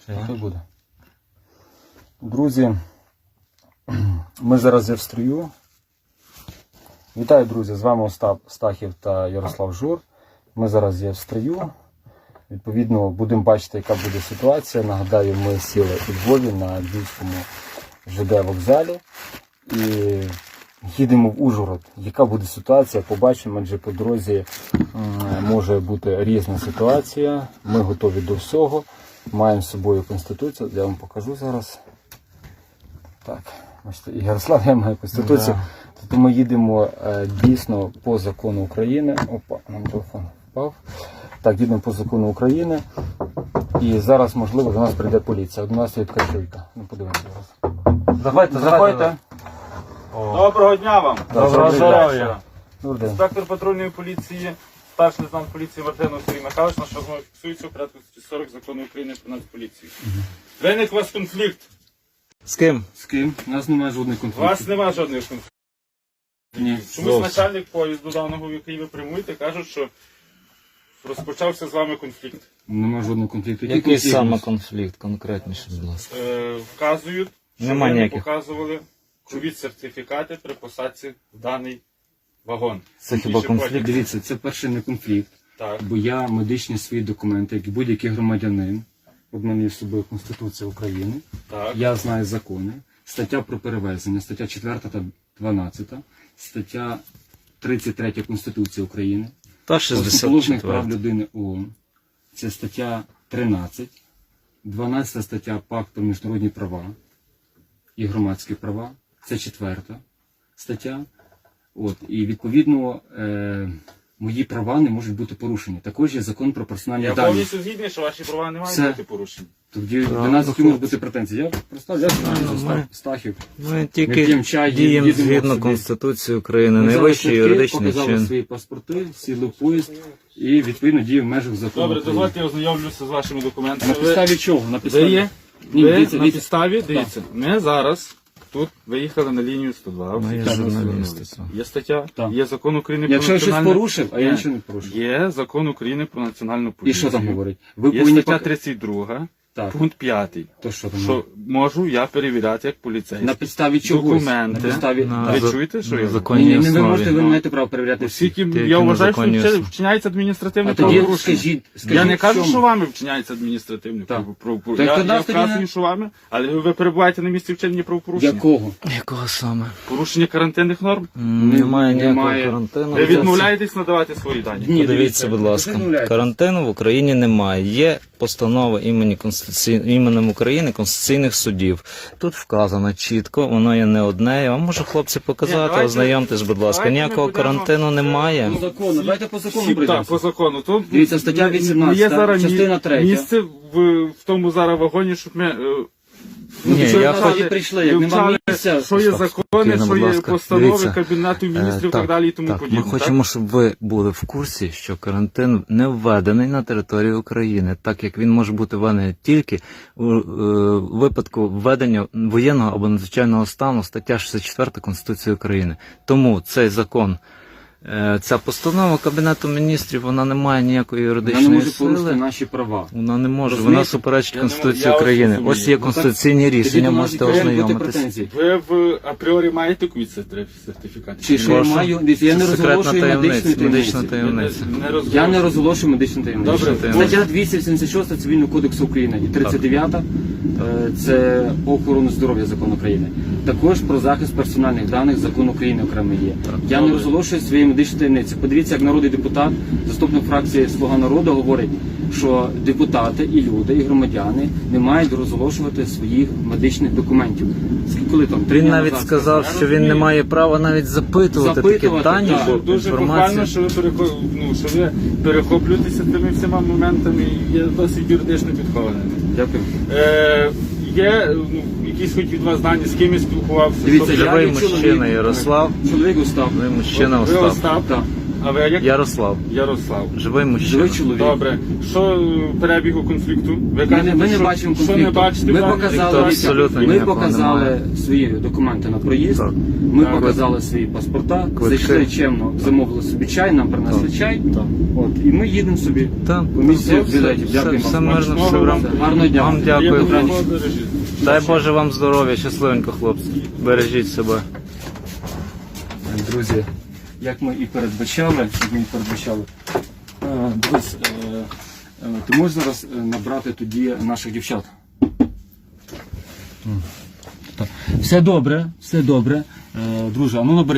Хай буде. Друзі, ми зараз є в строю. Вітаю, друзі, з вами Остап Стахів та Ярослав Жур. Ми зараз є в строю. Відповідно, будемо бачити, яка буде ситуація. Нагадаю, ми сіли у Львові на Львівському ЖД вокзалі і їдемо в Ужгород. Яка буде ситуація, побачимо, адже по дорозі може бути різна ситуація. Ми готові до всього. Маємо з собою Конституцію, я вам покажу зараз. Так, бачите, і Ярослав, я маю Конституцію. Да. Тобто ми їдемо дійсно по закону України. Опа, нам телефон впав. Так, їдемо по закону України. І зараз, можливо, до нас прийде поліція. До нас є така чуйка. Ну, подивимося зараз. Заходьте. Доброго дня вам! Доброго здоров'я! Інспектор патрульної поліції, старший лейтенант поліції Мартинов Сергій Михайлович, на що знову фіксується у порядку 40 закону України про Нацполіцію. Виник у вас конфлікт. З ким? З ким? У нас немає жодних У конфліктів. вас немає жодних конфліктів. Ні. Чомусь начальник поїзду даного, в який ви прямуєте, кажуть, що розпочався з вами конфлікт. Немає жодного конфлікту. Який саме конфлікт, конкретніше, будь ласка? Вказують, що Нема ви не ніяких. показували ковід-сертифікати при посадці в даний вагон. Це хіба конфлікт? Дивіться, це перший не конфлікт. Так. Бо я медичні свої документи, як і будь-який громадянин, от мене є з собою Конституція України, Так. я знаю закони, стаття про перевезення, стаття 4 та 12, стаття 33 Конституції України, Та Основоположних прав 64. людини ООН, це стаття 13, 12 стаття Пакту про міжнародні права і громадські права, це 4 стаття. От, і відповідно мої права не можуть бути порушені. Також є закон про персональні Я дані. повністю згідний, що ваші права не мають Все. бути порушені. Тоді до нас які можуть бути претензії. Я представляю, ми- Стахів. Ми Ми тільки п'ємо чай, діємо їдемо згідно собі. Конституції України, Ми взяли найвищий квитки, юридичний показали чин. свої паспорти, сіли в поїзд і відповідно діє в межах закону. Добре, України. дозвольте, я ознайомлюся з вашими документами. На підставі чого? На Ви підставі? є? Ні, Ви дивіться, на дивіться. підставі, дивіться, ми зараз тут виїхали на лінію 102. Ми є всі журналісти, звернулися. так. Є стаття, Так. є закон України про Якщо я щось національну... порушив, а я Ні. нічого не порушив. Є закон України про національну І поліцію. що там говорить? Ви Є повинні стаття пок- 32, Так. пункт 5. То що там? Що можу я перевіряти як поліцейський. На підставі чогось. Документи. На підставі... На Ви Так. чуєте, що на я Ні, законній ні, ви можете, основі. ви маєте право перевіряти всі. Оскільки Тільки я на вважаю, що законній основі. вчиняється адміністративне А тоді правопорушення. скажіть, Я не в кажу, чому? що вами вчиняється адміністративне Так. правопорушення. Так Я тоді тоді вказую, не- що вами, але ви перебуваєте на місці вчинення правопорушення. Якого? Якого саме? Порушення карантинних норм. Немає ніякого немає. карантину. Ви відмовляєтесь надавати свої дані. Ні, Подивіться, будь ласка, карантину в Україні немає. Є постанова іменем України Конституційних судів. Тут вказано чітко, воно є не одне. Я вам можу, хлопці, Ні, показати, давайте- ознайомтесь, будь ласка. давайте ми Ніякого будемо- карантину немає. По закону, давайте по закону Так, прийдемо. по закону. Тут Дивіться, стаття 18, є зараз частина 3. місце в тому зараз вагоні, щоб ми Ні, що я ви хоч- тоді прийшли, як нема вивчали, місця. що є Стоп, закони, спокійно, що будь є ласка. постанови Дивіться. Кабінету міністрів і так далі і тому так, подібне. ми хочемо, щоб ви були в курсі, що карантин не введений на території України, так як він може бути введений тільки у випадку введення воєнного або надзвичайного стану, стаття 64 Конституції України. Тому цей закон, ця постанова Кабінету міністрів, вона не має ніякої Вона не юридичної може порушити сили. наші права. Вона не може, Розумієте? вона суперечить Я Конституції ось України. розумію. Ось є Ну, конституційні Тоді рішення, до нас можете повинні бути ознайомитись. претензії. Ви в апріорі маєте ковід-сертифікат? Чи що я Прошу. маю? Дивіться, я не Це секретна розголошую таємниця, медичну медична таємницю. таємниця. Я не розголошую медичну таємницю. Добре, Стаття 276 Цивільного кодексу України і 39 це по охорону здоров'я закон України. Також про захист персональних даних закон України окремо є. Я не добре. розголошую свої медичні таємниці. Подивіться, як народний депутат, заступник фракції Слуга народу говорить, що депутати і люди, і громадяни не мають розголошувати своїх медичних документів. Коли там 3 Він дня навіть назад сказав, що він не має права навіть запитувати такі Запитувати, дані, так. бо Дуже похвально, інформація. що ви перехоплюєтеся тими всіма моментами і є досить юридично підхованими. Дякую. Є якісь хоч від вас дані, з ким я спілкувався? Дивіться, Тобто, я Ви є мужчина, чоловік. Ярослав. Чоловік Остап. Ви мужчина ви Остап. Остап, Так. А ви як? Ярослав. Ярослав. Живий мужчина. Живий чоловік. Добре. Що перебігу конфлікту? Ви кажете, Ми не що- бачимо що конфлікту. не бачите? Ми правильно? показали, абсолютно ми ніякого показали немає. свої документи на проїзд, Так. ми Так. показали свої паспорта, Квитки. зайшли чемно, замовили собі чай, нам принесли чай. От, і ми їдемо собі. Так, Комісія все, білетів. Дякую все вам. мирно, все в рамках. Гарного дня. Вам дякую. Приємного Добраніч. подорожі. Дай Боже вам здоров'я, щасливенько, хлопці. Бережіть себе. Друзі, як ми і передбачали, дивись, ти можеш зараз набрати тоді наших дівчат? Все добре, друже, а ну набери.